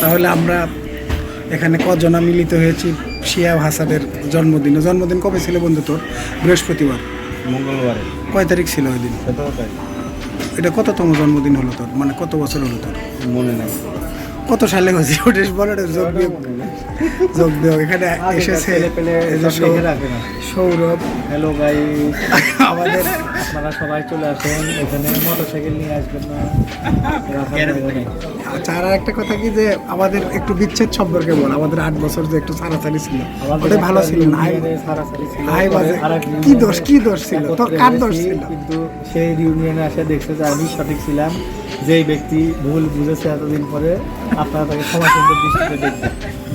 তাহলে আমরা এখানে কজনা মিলিত হয়েছি শিহাব হাসানের জন্মদিন কবে ছিল বন্ধু তোর? বৃহস্পতিবার, মঙ্গলবারে। কয় তারিখ ছিল ওই দিন? 17 তারিখ। এটা কততম জন্মদিন হলো তোর, মানে কত বছর হলো তোর? মনে নাই। কত সালে হয়েছে ওটা বলো না। যোগ বিয়োগ এখানে এসেছে এই যে সৌরভ। হ্যালো গাই, আমাদের আপনারা সবাই চলে আসেন এখানে, মোটরসাইকেল নিয়ে আসবেন না। আচ্ছা, আর একটা কথা কি যে আমাদের একটু বিচ্ছেদ সম্পর্কে বল। আমাদের 8 বছর যে একটু ছাড়াছাড়ি ছিল, ওটাই ভালো ছিল না? হাই বাজে কি দোষ ছিল তোর? কার দোষ ছিল? কিন্তু সেই রিউনিয়নে এসে দেখছে যে আমি সঠিক ছিলাম। যেই ব্যক্তি ভুল বুঝেছে এতদিন পরে, আপনারা তাকে ক্ষমা সুন্দর দৃষ্টিতে দেখবেন।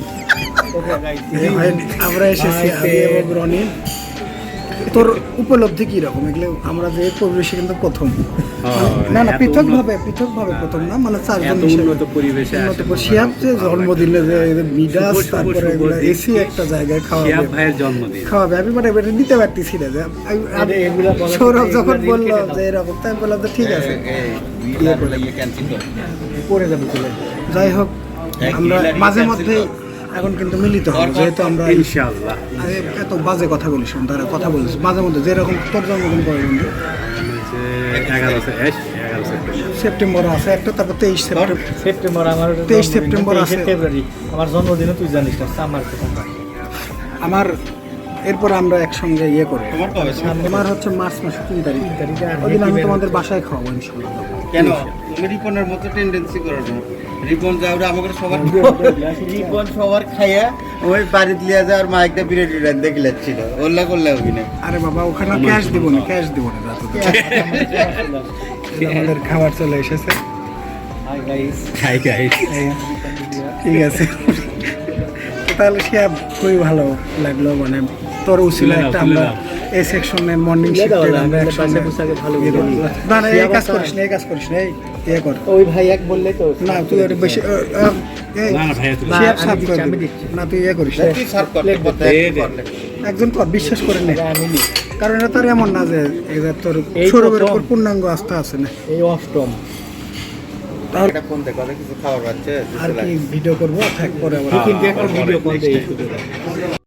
আমরা এসেছি আমি এবং রনি। তোর উপলব্ধি কি রকম এগুলো? আমরা যে পরিবেশে কিন্তু প্রথম, না পৃথকভাবে প্রথম না, মানে চারজন উন্নত পরিবেশে শিহাব যে জন্মদিনে যে মিডাস, তারপরে এগুলো এসি একটা জায়গায় শিহাব ভাইয়ের জন্মদিন খাওয়াবে, আমি মানে এটা নিতে পারতেছি না। যে সৌরভ যখন বললো যে এরকম, তাই বললাম যে ঠিক আছে পরে যাবো চলে। যাই হোক, আমরা মাঝে মধ্যেই এখন কিন্তু মিলিত হবো, যেহেতু আমরা ইনশাআল্লাহ। এত বাজে কথা বলিস, তারা কথা বলিস মাঝে মধ্যে। যেরকম তোর জন্মদিন পরে বন্ধু 11 সেপ্টেম্বর আছে একটা, তারপর 23 সেপ্টেম্বর আমার 23 সেপ্টেম্বর আছে। ফেব্রুয়ারি আমার জন্মদিনও তুই জানিস না, আমার আমার এরপর আমরা একসঙ্গে ইয়ে করবো। তোমার কবে? তোমার হচ্ছে মার্চ মাসের 3 তারিখ। ওই দিন আমি তোমাদের বাসায় খাওয়াবো ইনশাআল্লাহ। কেন তুমি রিপনের মতো টেন্ডেন্সি করো না? রিপন যাওয়া আমাকে সবার রিপন সবার খাইয়া ওই বাড়িতে লিয়ে যাওয়ার মাইকটা বিরাট বিরাট দেখে যাচ্ছিল, ওল্লা করলে হবে না। আরে বাবা, ওখানে ক্যাশ দিব না আমাদের খাবার চলে এসেছে। Hi guys. ঠিক আছে, তাহলে শিহাব খুবই ভালো লাগলো, মানে তোর উচিত একটা আমরা এই সেকশনে মর্নিং শিফটে আমরা একসঙ্গে ভালো না এই কাজ করিস না এই ইয়ে কর। ওই ভাই এক বললে তো না তুই ওটা বেশি শিহাব সাফ করে না, তুই ইয়ে করিস তুই সার্ভ করতে একজন কর, বিশ্বাস করে নে। আমি কারণ এটা তোর এমন না যে তোর সৌরভের উপর পূর্ণাঙ্গ আস্থা আছে না। এই অষ্টম তাহলে ফোন দেখো কিছু খাবার পাচ্ছে আর কি ভিডিও করবো, থাক পরে আবার কিন্তু একটা ভিডিও কল দেই শুধু।